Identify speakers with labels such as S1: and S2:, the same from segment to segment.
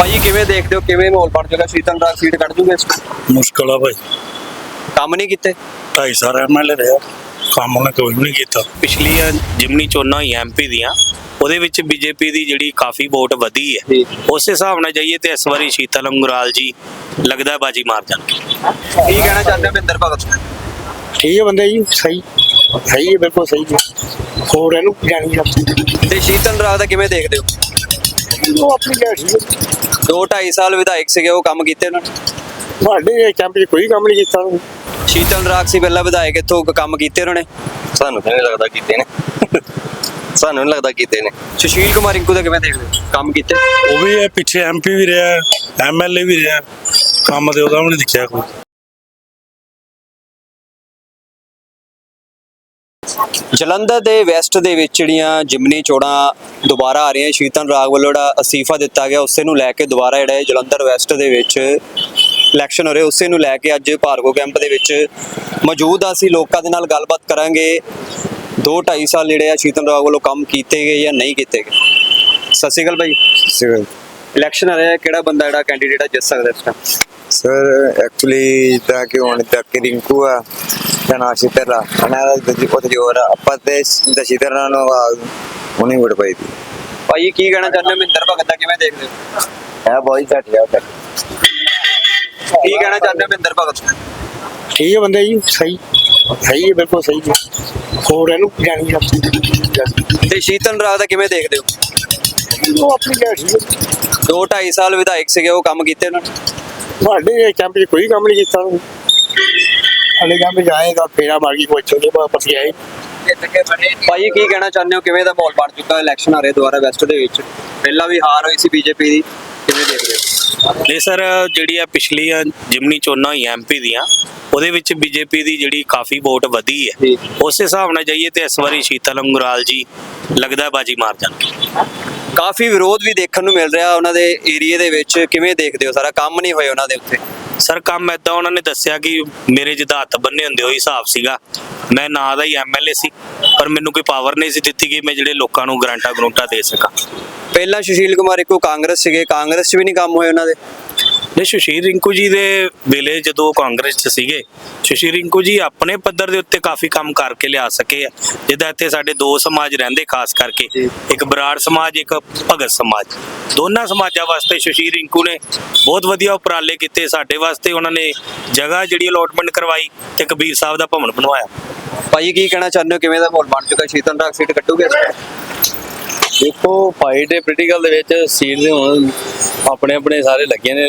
S1: ਭਾਜੀ ਕਿਵੇਂ ਦੇਖਦੇ ਹੋ, ਕਿਵੇਂ ਮਾਹੌਲ ਬਣ ਜਾਏਗਾ? ਸ਼ੀਤਲ ਰਾਗ ਸੀਟ ਕੱਢ ਜੂਗੇ?
S2: ਮੁਸ਼ਕਲ ਆ ਭਾਈ।
S1: ਕੰਮ ਨਹੀਂ ਕੀਤੇ?
S2: 2.5 ਸਾਲ ਐਮਐਲਏ ਰਿਹਾ, ਕੰਮ ਉਹਨੇ ਕੋਈ ਵੀ ਨਹੀਂ ਕੀਤਾ।
S3: ਪਿਛਲੀਆਂ ਜਿਮਨੀ ਚੋਣਾਂ ਹੋਈਆਂ ਐਮਪੀ ਦੀਆਂ, ਉਹਦੇ ਵਿੱਚ ਬੀਜੇਪੀ ਦੀ ਜਿਹੜੀ ਕਾਫੀ ਵੋਟ ਵਧੀ ਹੈ। ਉਸ ਹਿਸਾਬ ਨਾਲ ਜਾਈਏ ਤੇ ਇਸ ਵਾਰੀ ਸ਼ੀਤਲ ਅੰਗਰਾਲ ਜੀ ਲੱਗਦਾ ਬਾਜੀ ਮਾਰ ਜਾਣਗੇ।
S1: ਕੀ ਕਹਿਣਾ ਚਾਹੁੰਦੇ ਹੋ ਮਹਿੰਦਰ ਭਗਤ?
S2: ਠੀਕ ਹੈ ਬੰਦੇ ਜੀ, ਸਹੀ ਸਹੀ ਹੈ, ਬਿਲਕੁਲ ਸਹੀ ਹੈ। ਹੋਰ ਇਹਨੂੰ ਜਾਣੀ ਜਾਂਦੀ
S1: ਤੇ ਸ਼ੀਤਲ ਰਾਗ ਦਾ ਕਿਵੇਂ ਦੇਖਦੇ ਹੋ?
S2: ਉਹ ਆਪਣੀ ਗੱਲ ਠੀਕ ਹੈ।
S1: 2-2.5 ਸਾਲ ਵਿਧਾਇਕ ਸੀਗੇ, ਉਹ ਕੰਮ ਕੀਤੇ ਉਹਨਾਂ ਨੇ?
S2: ਸਾਡੇ ਕੈਂਪ 'ਚ ਕੋਈ ਕੰਮ ਨਹੀਂ ਕੀਤਾ ਉਹਨੇ।
S1: ਸ਼ੀਤਲ ਰਾਗ ਸੀ ਪਹਿਲਾਂ ਵਿਧਾਇਕ, ਇੱਥੋਂ ਕੰਮ ਕੀਤੇ ਉਹਨਾਂ ਨੇ?
S4: ਸਾਨੂੰ ਤਾਂ ਨਹੀਂ ਲੱਗਦਾ ਕੀਤੇ ਨੇ। ਸਾਨੂੰ ਨਹੀਂ ਲੱਗਦਾ ਕੀਤੇ ਨੇ।
S1: ਸੁਸ਼ੀਲ ਕੁਮਾਰ ਰਿੰਕੂ ਦਾ ਕਿਵੇਂ ਦੇਖਦੇ ਹੋ, ਕੰਮ ਕੀਤੇ?
S2: ਉਹ ਵੀ ਹੈ, ਪਿੱਛੇ ਐਮਪੀ ਵੀ ਰਿਹਾ, ਐਮਐਲਏ ਵੀ ਰਿਹਾ, ਕੰਮ ਤੇ ਉਹਦਾ ਵੀ ਨਹੀਂ ਦਿਖਿਆ ਕੋਈ।
S1: ਜਲੰਧਰ ਦੇ ਵੈਸਟ ਦੇ ਵਿੱਚ ਜਿਹੜੀਆਂ ਜਿਮਨੀ ਚੋਣਾਂ ਦੁਬਾਰਾ ਆ ਰਹੀਆਂ, ਸ਼ੀਤਲ ਰਾਗ ਵੱਲੋਂ ਜਿਹੜਾ ਅਸਤੀਫਾ ਦਿੱਤਾ ਗਿਆ ਉਸੇ ਨੂੰ ਲੈ ਕੇ ਦੁਬਾਰਾ ਜਿਹੜਾ ਜਲੰਧਰ ਵੈਸਟ ਦੇ ਵਿੱਚ ਇਲੈਕਸ਼ਨ ਹੋ ਰਹੇ, ਉਸੇ ਨੂੰ ਲੈ ਕੇ ਅੱਜ ਭਾਰਗੋ ਕੈਂਪ ਦੇ ਵਿੱਚ ਮੌਜੂਦ ਆ। ਅਸੀਂ ਲੋਕਾਂ ਦੇ ਨਾਲ ਗੱਲਬਾਤ ਕਰਾਂਗੇ। 2-2.5 ਸਾਲ ਜਿਹੜੇ ਆ ਸ਼ੀਤਲ ਰਾਗ ਵੱਲੋਂ ਕੰਮ ਕੀਤੇ ਗਏ ਜਾਂ ਨਹੀਂ ਕੀਤੇ ਗਏ। ਸਤਿ ਸ਼੍ਰੀ ਅਕਾਲ ਭਾਈ। ਇਲੈਕਸ਼ਨ ਆ ਰਿਹਾ, ਕਿਹੜਾ ਬੰਦਾ ਜਿਹੜਾ ਕੈਂਡੀਡੇਟ ਆ ਜਿੱਤ ਸਕਦਾ ਇਸ ਟਾਈਮ?
S5: ਸਰ ਐਕਚੁਅਲੀ ਤਾਂ ਕਿ ਹੁਣ ਤੱਕ ਰਿੰਕੂ ਆ ਨਾ ਸ਼ੀਤਲ ਅਨਾਰਾ ਉੱਥੇ ਜੋਰ ਆਪਾਂ ਤੇ ਸ਼ੀਤਲ ਨੂੰ ਉਹਨੇ ਵੋਟ ਪਾਈ ਦੀ।
S1: ਭਾਈ ਕੀ ਕਹਿਣਾ ਚਾਹੁੰਦੇ ਹੋ ਮਹਿੰਦਰ ਭਗਤ ਦਾ ਕਿਵੇਂ ਦੇਖਦੇ ਹੋ?
S5: ਹੈ ਬਹੁਤ ਘੱਟ ਗਿਆ ਤੱਕ।
S1: ਕੀ ਕਹਿਣਾ ਚਾਹੁੰਦੇ ਹੋ ਮਹਿੰਦਰ ਭਗਤ?
S2: ਠੀਕ ਹੈ ਬੰਦੇ ਜੀ, ਸਹੀ ਸਹੀ ਹੈ, ਬਿਲਕੁਲ ਸਹੀ ਹੈ। ਹੋਰ ਇਹਨੂੰ ਜਾਣੀ ਜਾਂਦੀ
S1: ਤੇ ਸ਼ੀਤਲ ਰਾਗ ਦਾ ਕਿਵੇਂ ਦੇਖਦੇ ਹੋ?
S2: ਉਹ ਆਪਣੀ ਗੱਲ ਠੀਕ ਹੈ।
S1: 2-2.5 ਸਾਲ ਵਿਧਾਇਕ ਸੀਗੇ, ਉਹ ਕੰਮ ਕੀਤੇ ਉਹਨਾਂ ਨੇ?
S2: ਸਾਡੇ ਕੈਂਪ 'ਚ ਕੋਈ ਕੰਮ ਨਹੀਂ ਕੀਤਾ ਉਹਨੇ। ਅਲੇ ਕੰਮ ਜਾਏਗਾ ਫੇਰਾ ਮਾਰ ਕੇ ਪੁੱਛੋਗੇ ਵਾਪਸ ਆਏ।
S1: ਭਾਈ ਕੀ ਕਹਿਣਾ ਚਾਹੁੰਦੇ ਹੋ, ਕਿਵੇਂ ਦਾ ਮਾਹੌਲ ਬਣ ਚੁੱਕਾ? ਇਲੈਕਸ਼ਨ ਆ ਰਹੇ ਦੁਬਾਰਾ ਵੈਸਟ ਦੇ ਵਿੱਚ, ਪਹਿਲਾਂ ਵੀ ਹਾਰ ਹੋਈ ਸੀ ਬੀਜੇਪੀ ਦੀ, ਕਿਵੇਂ ਦੇਖਦੇ ਹੋ?
S3: ਨਹੀਂ ਸਰ, ਜਿਹੜੀਆਂ ਪਿਛਲੀਆਂ ਜਿਮਨੀ ਚੋਣਾਂ ਹੋਈਆਂ ਐਮਪੀ ਦੀਆਂ, ਉਹਦੇ ਵਿੱਚ ਬੀਜੇਪੀ ਦੀ ਜਿਹੜੀ ਕਾਫੀ ਵੋਟ ਵਧੀ ਹੈ। ਉਸ ਹਿਸਾਬ ਨਾਲ ਜਾਈਏ ਤੇ ਇਸ ਵਾਰੀ ਸ਼ੀਤਲ ਅੰਗਰਾਲ ਜੀ ਲੱਗਦਾ ਬਾਜੀ ਮਾਰ ਜਾਣਗੇ।
S1: ਕਾਫੀ ਵਿਰੋਧ ਵੀ ਦੇਖਣ ਨੂੰ ਮਿਲ ਰਿਹਾ ਉਹਨਾਂ ਦੇ ਏਰੀਏ ਦੇ ਵਿੱਚ, ਕਿਵੇਂ ਦੇਖਦੇ ਹੋ? ਸਾਰਾ ਕੰਮ ਨਹੀਂ ਹੋਏ ਉਹਨਾਂ ਦੇ ਉੱਤੇ?
S3: ਸਰ ਕੰਮ ਏਦਾਂ, ਉਹਨਾਂ ਨੇ ਦੱਸਿਆ ਕਿ ਮੇਰੇ ਜਿੱਦਾਂ ਹੱਥ ਬੰਨੇ ਹੁੰਦੇ ਉਹੀ ਹਿਸਾਬ ਸੀਗਾ। ਮੈਂ ਨਾਂ ਦਾ ਹੀ ਐਮਐਲਏ ਸੀ, ਪਰ ਮੈਨੂੰ ਕੋਈ ਪਾਵਰ ਨਹੀਂ ਸੀ ਦਿੱਤੀ ਕਿ ਮੈਂ ਜਿਹੜੇ ਲੋਕਾਂ ਨੂੰ ਗਰੰਟਾਂ ਦੇ ਸਕਾਂ।
S1: ਪਹਿਲਾਂ ਸੁਸ਼ੀਲ ਕੁਮਾਰ ਰਿੰਕੂ ਕਾਂਗਰਸ ਸੀਗੇ, ਕਾਂਗਰਸ 'ਚ ਵੀ ਨਹੀਂ ਕੰਮ ਹੋਏ ਉਹਨਾਂ ਦੇ?
S3: ਨਹੀਂ, ਸੁਸ਼ੀਲ ਰਿੰਕੂ ਜੀ ਦੇ ਵੇਲੇ ਜਦੋਂ ਕਾਂਗਰਸ 'ਚ ਸੀਗੇ, ਸੁਸ਼ੀਲ ਰਿੰਕੂ ਜੀ ਆਪਣੇ ਪੱਧਰ ਦੇ ਉੱਤੇ ਕਾਫੀ ਕੰਮ ਕਰਕੇ ਲਿਆ ਸਕੇ ਆ। ਜਿੱਦਾਂ ਇੱਥੇ ਸਾਡੇ ਦੋ ਸਮਾਜ ਰਹਿੰਦੇ ਖਾਸ ਕਰਕੇ, ਇੱਕ ਬਰਾੜ ਸਮਾਜ, ਇੱਕ ਭਗਤ ਸਮਾਜ। ਦੋਨਾਂ ਸਮਾਜਾਂ ਵਾਸਤੇ ਸੁਸ਼ੀਲ ਰਿੰਕੂ ਨੇ ਬਹੁਤ ਵਧੀਆ ਉਪਰਾਲੇ ਕੀਤੇ। ਸਾਡੇ ਵਾਸਤੇ ਉਹਨਾਂ ਨੇ ਜਗ੍ਹਾ ਜਿਹੜੀ ਅਲੋਟਮੈਂਟ ਕਰਵਾਈ ਤੇ ਕਬੀਰ ਸਾਹਿਬ ਦਾ ਭਵਨ ਬਣਵਾਇਆ।
S1: ਭਾਈ ਕੀ ਕਹਿਣਾ ਚਾਹੁੰਦੇ ਹੋ, ਕਿਵੇਂ ਦਾ ਮਾਹੌਲ ਬਣ ਚੁੱਕਾ? ਸ਼ੀਤਲ ਰਾਗ ਸੀਟ ਕੱਟੂਗੇ?
S6: ਦੇਖੋ ਫਾਈਟ ਹੈ ਪੋਲੀਟੀਕਲ ਦੇ ਵਿੱਚ, ਸੀਟ ਦੇ ਹੁਣ ਆਪਣੇ ਆਪਣੇ ਸਾਰੇ ਲੱਗੇ ਨੇ,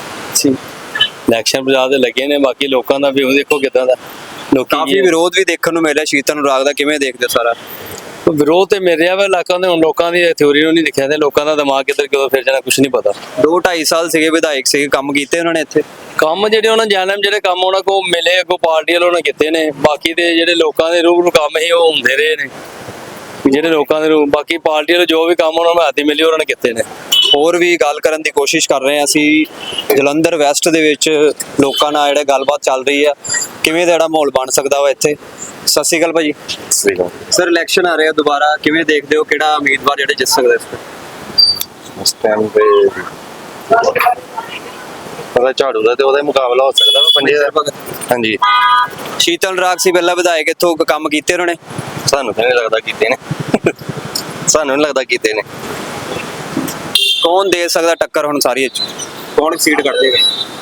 S6: ਇਲੈਕਸ਼ਨ ਪੰਜਾਬ ਦੇ ਲੱਗੇ ਨੇ। ਬਾਕੀ ਲੋਕਾਂ ਦਾ ਵੀ ਦੇਖੋ ਕਿਦਾਂ ਦਾ,
S1: ਕਾਫੀ ਵਿਰੋਧ ਵੀ ਦੇਖਣ ਨੂੰ ਮਿਲਿਆ ਸ਼ੀਤਲ ਰਾਗ ਦਾ, ਕਿਵੇਂ ਦੇਖਦੇ ਹੋ ਸਾਰਾ?
S6: ਵਿਰੋਧ ਤੇ ਮਿਲ ਰਿਹਾ ਵਾ ਇਲਾਕਿਆਂ ਦੇ। ਹੁਣ ਲੋਕਾਂ ਦੀ ਥਿਉਰੀ ਨੂੰ ਨਹੀਂ ਦਿਖਿਆ ਤੇ ਲੋਕਾਂ ਦਾ ਦਿਮਾਗ ਕਿੱਧਰ ਕਿਉਂ ਫਿਰ ਜਾਣਾ ਕੁਝ ਨਹੀਂ ਪਤਾ।
S1: 2-2.5 ਸਾਲ ਸੀਗੇ ਵਿਧਾਇਕ ਸੀਗੇ, ਕੰਮ ਕੀਤੇ ਉਹਨਾਂ ਨੇ ਇੱਥੇ?
S6: ਕੰਮ ਜਿਹੜੇ ਉਹਨਾਂ ਜਾਣਮ ਜਿਹੜੇ ਕੰਮ ਉਹਨਾਂ ਕੋ ਮਿਲੇ ਅੱਗੋਂ ਪਾਰਟੀ ਵਾਲੋਂ ਨੇ ਕੀਤੇ ਨੇ। ਬਾਕੀ ਦੇ ਜਿਹੜੇ ਲੋਕਾਂ ਦੇ ਰੂਪ ਨੂੰ ਕੰਮ ਹੀ ਉਹ ਹੁੰਦੇ ਰਹੇ ਨੇ, ਜਿਹੜੇ ਲੋਕਾਂ ਦੇ ਰੂਪ। ਬਾਕੀ ਪਾਰਟੀ ਵਾਲੇ ਜੋ ਵੀ ਕੰਮ ਉਹਨਾਂ ਨੂੰ ਹੱਥ ਮਿਲੇ ਉਹਨਾਂ ਨੇ ਕੀਤੇ ਨੇ।
S1: ਹੋਰ ਵੀ ਗੱਲ ਕਰਨ ਦੀ ਕੋਸ਼ਿਸ਼ ਕਰ ਰਹੇ ਹਾਂ ਅਸੀਂ ਜਲੰਧਰ ਵੈਸਟ ਦੇ ਵਿੱਚ, ਲੋਕਾਂ ਨਾਲ ਜਿਹੜੇ ਗੱਲਬਾਤ ਚੱਲ ਰਹੀ ਆ, ਕਿਵੇਂ ਦਾ ਜਿਹੜਾ ਮਾਹੌਲ ਬਣ ਸਕਦਾ ਵਾ ਇੱਥੇ। ਸਤਿ ਸ਼੍ਰੀ ਅਕਾਲ ਭਾਜੀ। ਸਰ ਇਲੈਕਸ਼ਨ ਆ ਰਿਹਾ ਦੁਬਾਰਾ, ਕਿਵੇਂ ਦੇਖਦੇ ਹੋ, ਕਿਹੜਾ ਉਮੀਦਵਾਰ ਜਿਹੜੇ ਜਿੱਤ ਸਕਦਾ
S4: ਇਸ ਟਾਈਮ ਤੇ ਪਤਾ ਝਾੜੂ ਦਾ ਤੇ ਉਹਦਾ ਮੁਕਾਬਲਾ ਹੋ ਸਕਦਾ ਵਾ ਪੰਜੇ ਦਾ। ਹਾਂਜੀ,
S1: ਸ਼ੀਤਲ ਰਾਗ ਸੀ ਪਹਿਲਾਂ ਵਿਧਾਇਕ, ਇੱਥੋਂ ਕੰਮ ਕੀਤੇ ਉਹਨਾਂ ਨੇ?
S4: ਸਾਨੂੰ ਤਾਂ ਨਹੀਂ ਲੱਗਦਾ ਕੀਤੇ ਨੇ। ਸਾਨੂੰ ਨਹੀਂ ਲੱਗਦਾ ਕੀਤੇ ਨੇ।
S1: ਕੌਣ ਦੇ ਸਕਦਾ ਟੱਕਰ ਹੁਣ ਸਾਰੀ ਚ? ਕੌਣ ਸੀਟ ਕੱਢ ਦੇਗਾ?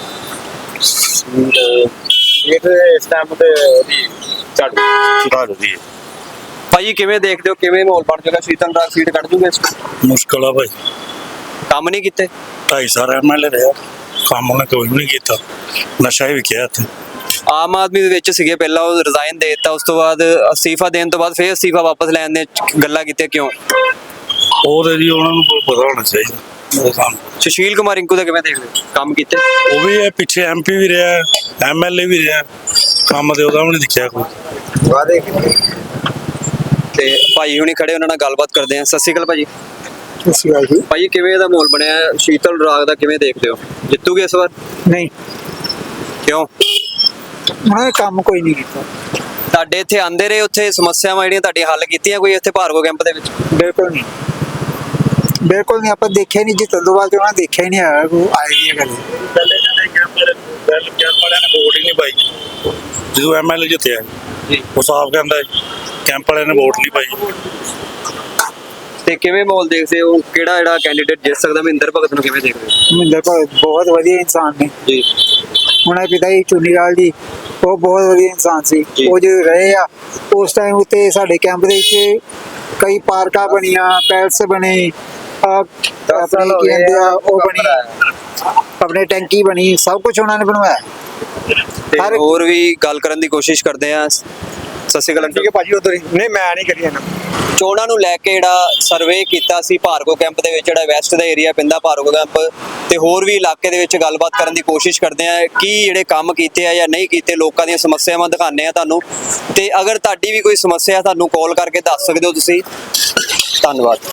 S4: ਇਹ ਤੇ ਇਸ ਟਾਈਮ ਤੇ ਝਾੜੂ ਦੀ ਹੈ।
S1: ਭਾਜੀ ਕਿਵੇਂ ਦੇਖਦੇ ਹੋ, ਕਿਵੇਂ ਮਾਹੌਲ ਬਣ ਜਾਏਗਾ? ਸ਼ੀਤਲ ਰਾਗ ਸੀਟ ਕੱਢ ਜੂਗੇ?
S2: ਮੁਸ਼ਕਲ ਆ ਭਾਈ।
S1: ਕੰਮ ਨਹੀਂ ਕੀਤੇ?
S2: 2.5 ਸਾਲ ਐਮਐਲਏ ਰਿਹਾ, ਕੰਮ ਉਹਨੇ ਕੋਈ ਵੀ ਨਹੀਂ ਕੀਤਾ। ਨਸ਼ਾ ਹੀ ਵਿਕਿਆ ਇੱਥੇ।
S1: ਆਮ ਆਦਮੀ ਦੇ ਵਿੱਚ ਸੀਗੇ ਪਹਿਲਾਂ, ਉਹ ਰਿਜ਼ਾਈਨ ਦੇ ਦਿੱਤਾ, ਉਸ ਤੋਂ ਬਾਅਦ ਅਸਤੀਫਾ ਦੇਣ ਤੋਂ ਬਾਅਦ ਫਿਰ ਅਸਤੀਫਾ ਵਾਪਸ ਲੈਣ ਦੇ ਗੱਲਾਂ ਕੀਤੀਆਂ, ਕਿਉਂ?
S2: ਉਹ ਤੇ ਜੀ ਉਹਨਾਂ ਨੂੰ ਪਤਾ ਹੋਣਾ ਚਾਹੀਦਾ।
S1: ਸੁਸ਼ੀਲ ਕੁਮਾਰ ਰਿੰਕੂ ਦਾ ਕਿਵੇਂ ਦੇਖਦੇ ਹੋ, ਕੰਮ ਕੀਤੇ?
S2: ਉਹ ਵੀ ਹੈ, ਪਿੱਛੇ ਐਮਪੀ ਵੀ ਰਿਹਾ, ਐਮਐਲਏ ਵੀ ਰਿਹਾ, ਕੰਮ ਤੇ ਉਹਦਾ ਵੀ ਨਹੀਂ ਦਿਖਿਆ ਕੋਈ।
S5: ਵਾਦੇ
S1: ਤੇ ਭਾਈ ਹੁਣੀ ਖੜੇ, ਉਹਨਾਂ ਨਾਲ ਗੱਲਬਾਤ ਕਰਦੇ ਆ। ਸਤਿ ਸ਼੍ਰੀ ਅਕਾਲ ਭਾਜੀ।
S2: ਸਤਿ ਸ਼੍ਰੀ ਅਕਾਲ ਜੀ।
S1: ਭਾਜੀ ਕਿਵੇਂ ਦਾ ਮਾਹੌਲ ਬਣਿਆ? ਸ਼ੀਤਲ ਰਾਗ ਦਾ ਕਿਵੇਂ ਦੇਖਦੇ ਹੋ, ਜਿੱਤੂਗੇ ਇਸ ਵਾਰ?
S7: ਨਹੀਂ,
S1: ਕਿਉਂ?
S7: ਉਹਨਾਂ ਨੇ ਕੰਮ ਕੋਈ ਨਹੀਂ ਕੀਤਾ।
S1: ਤੁਹਾਡੇ ਇੱਥੇ ਆਂਦੇ ਰਹੇ, ਉੱਥੇ ਸਮੱਸਿਆਵਾਂ ਜਿਹੜੀਆਂ ਤੁਹਾਡੀਆਂ ਹੱਲ ਕੀਤੀਆਂ ਕੋਈ ਇੱਥੇ ਭਾਰਗੋ ਕੈਂਪ ਦੇ ਵਿੱਚ?
S7: ਬਿਲਕੁਲ ਨਹੀਂ, ਬਿਲਕੁਲ ਨਹੀਂ, ਆਪਾਂ ਦੇਖਿਆ ਨਹੀਂ ਜਿੱਤਣ ਤੋਂ ਬਾਅਦ ਉਹਨਾਂ ਨੇ ਦੇਖਿਆ ਹੀ ਨਹੀਂ ਆਇਆ ਕੋਈ ਆਏਗੀ ਇਹ ਗੱਲ।
S4: ਪਹਿਲੇ ਜਿਹੜੇ ਕੈਂਪ ਵਾਲਿਆਂ ਨੇ ਵੋਟ ਹੀ ਨਹੀਂ ਪਾਈ ਜਦੋਂ ਐਮਐਲਏ ਜਿੱਤਿਆ
S1: ਜੀ।
S4: ਉਹ ਸਾਫ਼ ਕਹਿੰਦਾ ਕੈਂਪ ਵਾਲਿਆਂ ਨੇ ਵੋਟ ਨਹੀਂ ਪਾਈ।
S1: ਤੇ ਕਿਵੇਂ ਮਾਹੌਲ ਦੇਖਦੇ ਹੋ, ਕਿਹੜਾ ਜਿਹੜਾ ਕੈਂਡੀਡੇਟ ਜਿੱਤ ਸਕਦਾ? ਮਹਿੰਦਰ ਭਗਤ ਨੂੰ ਕਿਵੇਂ ਦੇਖਦੇ ਹੋ?
S7: ਮਹਿੰਦਰ ਭਗਤ ਬਹੁਤ ਵਧੀਆ ਇਨਸਾਨ ਨੇ।
S1: ਜੀ
S7: ਉਹਨਾਂ ਦੇ ਪਿਤਾ ਜੀ ਚੁੰਨੀਲਾਲ ਜੀ, ਉਹ ਬਹੁਤ ਵਧੀਆ ਇਨਸਾਨ ਸੀ।
S1: ਜੀ।
S7: ਉਹ ਜਦੋਂ ਰਹੇ ਆ ਉਸ ਟਾਈਮ ਉੱਤੇ ਸਾਡੇ ਕੈਂਪ ਦੇ ਵਿੱਚ ਕਈ ਪਾਰਕਾਂ ਬਣੀਆਂ, ਪੈਲਸ ਬਣੇ, ਆਪਣੇ ਕੀ ਕਹਿੰਦੇ ਆ ਉਹ ਬਣੀ, ਆਪਣੇ ਟੈਂਕੀ ਬਣੀ, ਸਭ ਕੁਝ ਉਹਨਾਂ ਨੇ ਬਣਵਾਇਆ।
S1: ਤੇ
S7: ਹਰ-
S1: ਹੋਰ ਵੀ ਗੱਲ ਕਰਨ ਦੀ ਕੋਸ਼ਿਸ਼ ਕਰਦੇ ਆ। ਸਤਿ ਸ਼੍ਰੀ ਅਕਾਲ ਅੰਕਲ।
S2: ਭਾਜੀ ਉਧਰ ਹੀ ਨਹੀਂ, ਮੈਂ ਨਹੀਂ ਕਰੀ ਇਹਨਾਂ
S1: ਚੋਣਾਂ ਨੂੰ ਲੈ ਕੇ ਜਿਹੜਾ ਸਰਵੇ ਕੀਤਾ ਸੀ ਭਾਰਗੋ ਕੈਂਪ ਦੇ ਵਿੱਚ, ਜਿਹੜਾ ਵੈਸਟ ਦਾ ਏਰੀਆ ਪੈਂਦਾ ਭਾਰਗੋ ਕੈਂਪ, ਤੇ ਹੋਰ ਵੀ ਇਲਾਕੇ ਦੇ ਵਿੱਚ ਗੱਲਬਾਤ ਕਰਨ ਦੀ ਕੋਸ਼ਿਸ਼ ਕਰਦੇ ਆ ਕੀ ਜਿਹੜੇ ਕੰਮ ਕੀਤੇ ਆ ਜਾਂ ਨਹੀਂ ਕੀਤੇ, ਲੋਕਾਂ ਦੀਆਂ ਸਮੱਸਿਆਵਾਂ ਦਿਖਾਉਂਦੇ ਆ ਤੁਹਾਨੂੰ। ਤੇ ਅਗਰ ਤੁਹਾਡੀ ਵੀ ਕੋਈ ਸਮੱਸਿਆ ਤੁਹਾਨੂੰ ਕਾਲ ਕਰਕੇ ਦੱਸ ਸਕਦੇ ਹੋ ਤੁਸੀਂ। ਧੰਨਵਾਦ।